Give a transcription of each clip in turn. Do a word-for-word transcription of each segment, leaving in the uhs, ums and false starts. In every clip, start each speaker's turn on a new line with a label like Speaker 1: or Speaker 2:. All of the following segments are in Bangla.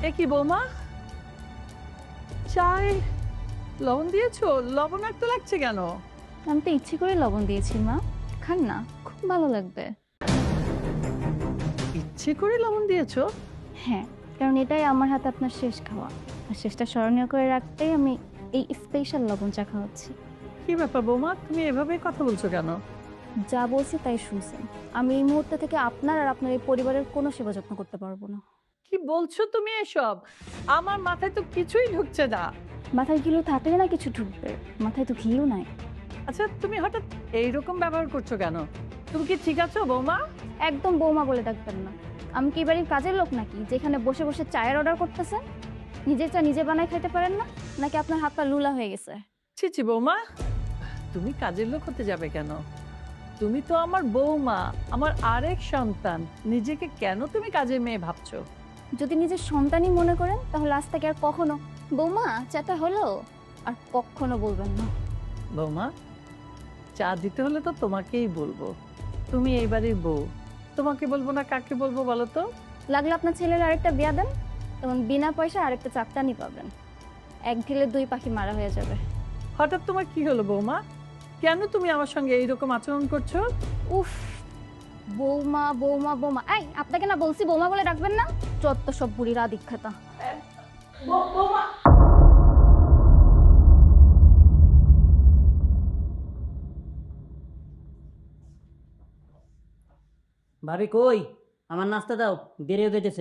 Speaker 1: এ কি বৌমা, চায় লবণ দিয়েছো? লবণাক্ত লাগছে কেন?
Speaker 2: আমি তো ইচ্ছে করে লবণ দিয়েছি মা, খান না, খুব ভালো লাগবে।
Speaker 1: ইচ্ছে করে লবণ দিয়েছো?
Speaker 2: হ্যাঁ, কারণ এটাই আমার হাতে আপনার শেষ খাওয়া, আর শেষটা স্মরণীয় করে রাখতেই আমি এই স্পেশাল লবণ চা খাওয়াচ্ছি।
Speaker 1: কি ব্যাপার বৌমা, তুমি এভাবে কথা বলছো কেন?
Speaker 2: যা বলছি তাই শুনছেন। আমি এই মুহূর্তে থেকে আপনার আর আপনার এই পরিবারের কোনো সেবা যত্ন করতে পারবো না।
Speaker 1: কি বলছো তুমি এসব? আমার মাথায় তো কিছুই ঢুকছে না।
Speaker 2: মাথায় ঘিলু থাকলে না কিছু ঢুকবে, মাথায় তো ঘিলু নাই।
Speaker 1: আচ্ছা, তুমি হঠাৎ এইরকম ব্যবহার করছো কেন? তুমি কি ঠিক আছো বৌমা?
Speaker 2: একদম বৌমা বলে ডাকবেন না। আমি কি বাড়ির কাজের লোক নাকি, যেখানে বসে বসে চায়ের অর্ডার করতেছেন? নিজের চা নিজে বানায় খাইতে পারেন না, নাকি আপনার হাত পা লুলা হয়ে গেছে?
Speaker 1: ছি ছি বৌমা, তুমি কাজের লোক হতে যাবে কেন? তুমি তো আমার বৌমা, আমার আরেক সন্তান। নিজেকে কেন তুমি কাজের মেয়ে ভাবছো?
Speaker 2: যদি নিজের সন্তানই মনে করেন তাহলে আজ থেকে আর কখনো বৌমা চাটা হলো আর কখনো বলবেন না।
Speaker 1: বৌমা, চা দিতে হলে তো তোমাকেই বলবো। তুমি এই বাড়ির বউ, তোমাকে বলবো না কাকে বলবো বলো তো?
Speaker 2: লাগলে আপনার ছেলের আরেকটা বিয়া দেন, তখন বিনা পয়সা আরেকটা চাকটানি পাবেন। এক ঢিলে দুই পাখি মারা হয়ে যাবে।
Speaker 1: হঠাৎ তোমার কি হলো বৌমা? কেন তুমি আমার সঙ্গে এইরকম আচরণ করছো?
Speaker 2: উফ, বৌমা বৌমা বৌমা, এই আপনাকে না বলছি বৌমা বলে ডাকবেন না? চত্ব সব বুড়িরা দীক্ষাতা।
Speaker 3: ভাবি কই? আমার নাস্তা দাও, দেরি হয়ে যেতেছে।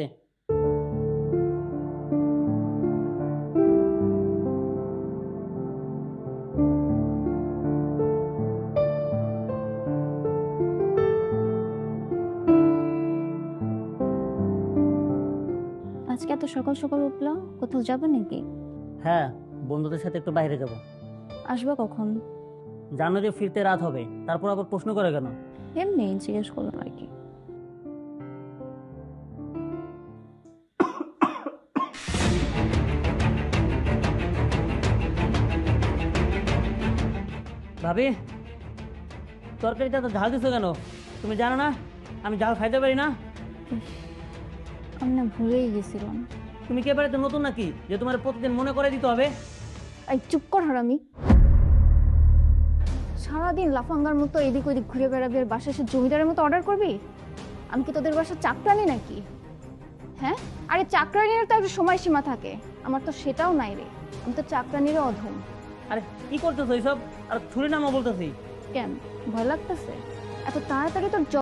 Speaker 2: আজকে এত সকাল সকাল উঠলো, কোথাও যাবে নাকি?
Speaker 3: হ্যাঁ, বন্ধুদের সাথে একটু বাইরে যাব।
Speaker 2: আসবে কখন?
Speaker 3: জানো যে ফিরতে রাত হবে, তারপর আবার প্রশ্ন করে কেন?
Speaker 2: এমনি জিজ্ঞেস করলাম আর কি।
Speaker 3: ভাবি, তরকারিটা তো ঝাল দিছো কেন? তুমি জানো না আমি ঝাল খাইতে পারি না?
Speaker 2: আমি না ভুলেই গেছিলাম।
Speaker 3: তুমি কি এবারে তো নতুন নাকি যে তোমার প্রতিদিন মনে করে দিতে হবে?
Speaker 2: এই চুপ কর হারামি। সারাদিন লাফাঙ্গার মতো এদিক ওদিক ঘুরে বেড়াবি আর বাসায় এসে জমিদারের মতো অর্ডার করবি? আমি কি তোদের বাসার চাকরানি নাকি? হ্যাঁ, আরে চাকরানির তো একটা সময়সীমা থাকে, আমার তো সেটাও নাই রে। আমি তো চাকরানিরও অধম।
Speaker 3: আরে কি করতেছো এইসব? আর ছুরি নামা বলতেছি।
Speaker 2: কেন, ভয় লাগতেছে? এত তাড়াতাড়ি তোর